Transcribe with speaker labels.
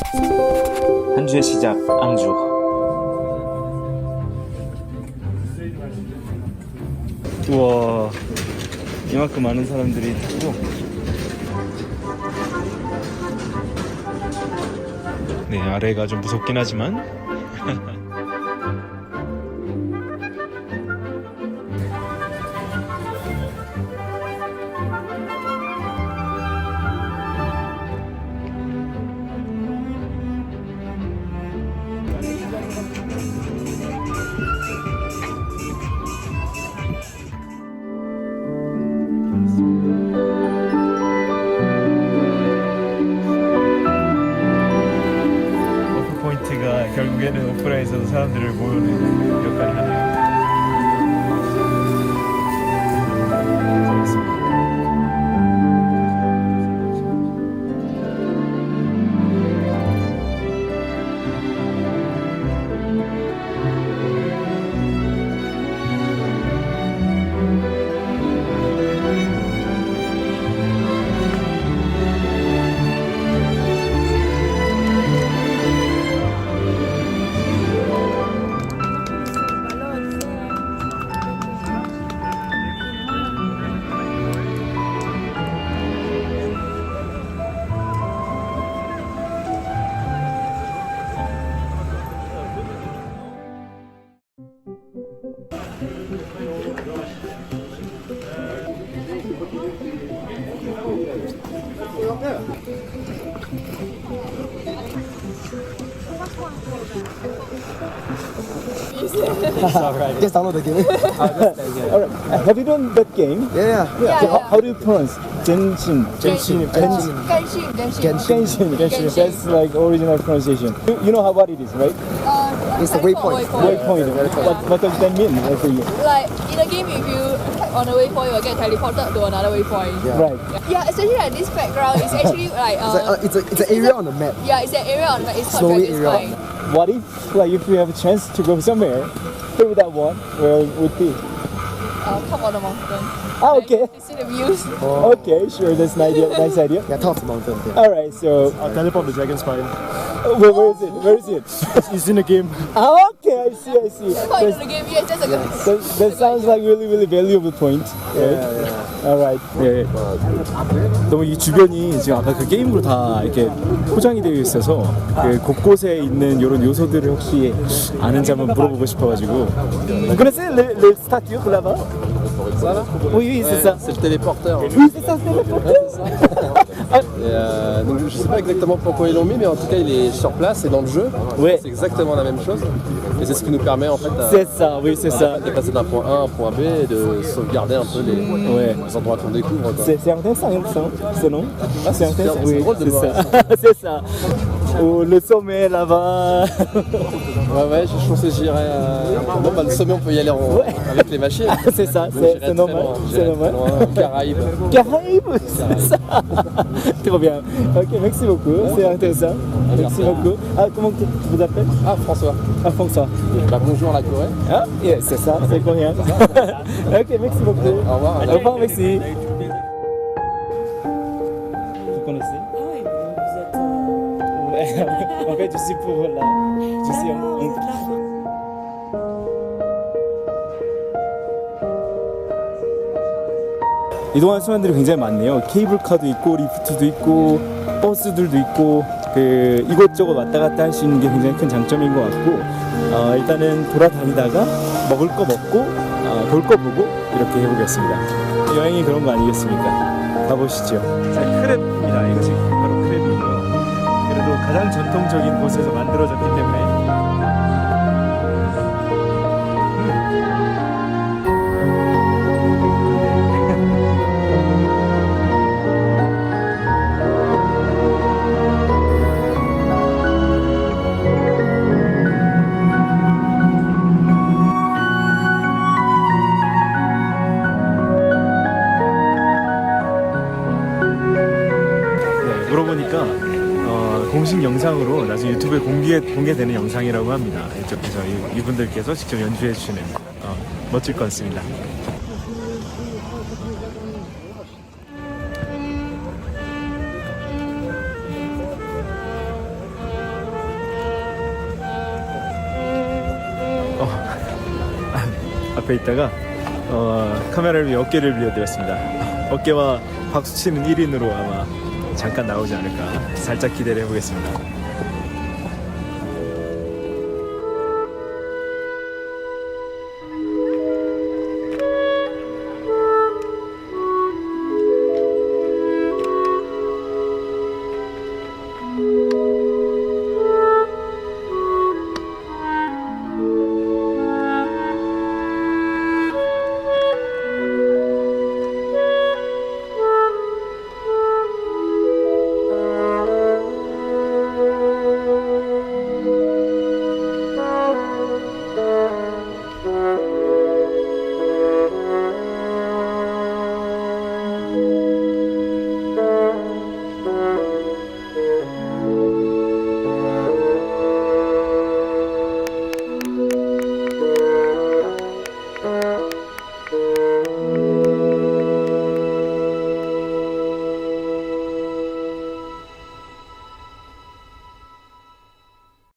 Speaker 1: 한 주의 시작, 앙주. 우와, 이만큼 많은 사람들이 타고. 네, 아래가 좀 무섭긴 하지만 포인트가 결국에는 오프라에서도 사람들을 모으는 역할을 하네요.
Speaker 2: It's alright. Just download the game.
Speaker 3: Alright. Have you done that game?
Speaker 2: Yeah.
Speaker 3: How do you pronounce? Genshin.
Speaker 2: Genshin.
Speaker 3: Genshin. That's like original pronunciation. You know what it is, right?
Speaker 2: It's the waypoint.
Speaker 3: Waypoint. What does that mean for you?
Speaker 4: Like in a game, if you tap on a waypoint, you will get teleported to another waypoint.
Speaker 2: Yeah.
Speaker 3: Right.
Speaker 4: Yeah, especially like this background is actually like
Speaker 2: It's an area on the map.
Speaker 4: yeah, it's an area on the map. It's called
Speaker 2: Snowy
Speaker 4: Dragon's
Speaker 2: area.
Speaker 4: Spine.
Speaker 3: What if you have a chance to go somewhere through that one, where it would be?
Speaker 4: Top of the mountain.
Speaker 3: Ah, okay.
Speaker 4: You see the views.
Speaker 3: Okay, sure. That's an idea. Nice idea.
Speaker 2: Yeah, top of the mountain. Yeah.
Speaker 3: All right. So,
Speaker 5: I'll teleport the Dragon Spine.
Speaker 3: where is it? Where is it?
Speaker 5: It's in the game.
Speaker 3: Ah, okay. I see.
Speaker 4: Part of the game, yes, that's a good.
Speaker 3: That sounds like really valuable point. Right? Alright. 네. 너무 이 주변이 지금 아까 그 게임으로 다 이렇게 포장이 되어 있어서 그 곳곳에 있는 이런 요소들을 혹시 아는지 한번 물어보고 싶어가지고. Vous connaissez le statue là-bas?
Speaker 6: Ça là
Speaker 3: Oui, c'est ça.
Speaker 6: C'est le téléporteur.
Speaker 3: Oui, c'est ça, c'est le
Speaker 6: Donc je sais pas exactement pourquoi ils l'ont mis, mais en tout cas il est sur place et dans le jeu.
Speaker 3: Ouais.
Speaker 6: C'est exactement la même chose. Et c'est ce qui nous permet en fait
Speaker 3: C'est ça, oui, c'est ça.
Speaker 6: de passer d'un point A à un point B et de sauvegarder un peu les endroits qu'on découvre. Quoi.
Speaker 3: C'est intéressant, ce nom.
Speaker 6: Ah,
Speaker 3: C'est intéressant.
Speaker 6: c'est
Speaker 3: Oui,
Speaker 6: drôle de
Speaker 3: c'est
Speaker 6: voir
Speaker 3: ça. C'est ça. Oh, le sommet là-bas.
Speaker 6: Ouais, je pense que j'irai. Bon, bah, le sommet on peut y aller avec les machines.
Speaker 3: C'est ça,
Speaker 6: J'irai
Speaker 3: c'est
Speaker 6: très
Speaker 3: normal.
Speaker 6: loin,
Speaker 3: C'est
Speaker 6: j'irai
Speaker 3: normal.
Speaker 6: très loin. Caraïbes.
Speaker 3: Caraïbes, c'est ça. Trop bien. Ok, merci beaucoup. C'est intéressant. Merci beaucoup. Ah, comment tu vous appelles?
Speaker 6: Ah, François.
Speaker 3: Ah, François.
Speaker 6: Bah, bonjour la Corée.
Speaker 3: Ah, yeah, c'est ça, c'est coréen. Ok, merci beaucoup.
Speaker 6: Au revoir.
Speaker 3: Au revoir, merci. Vous connaissez?
Speaker 7: Oui, vous êtes...
Speaker 3: En fait, je suis pour là. Je suis en... 이동하는 순간들이 굉장히 많네요. 케이블카도 있고 리프트도 있고 버스들도 있고 그 이곳저곳 왔다 갔다 할 수 있는 게 굉장히 큰 장점인 것 같고 일단은 돌아다니다가 먹을 거 먹고 볼 거 보고 이렇게 해보겠습니다. 여행이 그런 거 아니겠습니까? 가보시죠. 자, 크랩입니다. 이것이 바로 크랩이고요. 그래도 가장 전통적인 곳에서 만들어졌기 때문에 물어보니까 공식 영상으로 나중에 유튜브에 공개되는 영상이라고 합니다. 이쪽에서 이분들께서 직접 연주해 주시는 멋질 것 같습니다. 옆에 있다가 카메라를 위해 어깨를 빌려드렸습니다. 어깨와 박수치는 1인으로 아마 잠깐 나오지 않을까 살짝 기대를 해보겠습니다.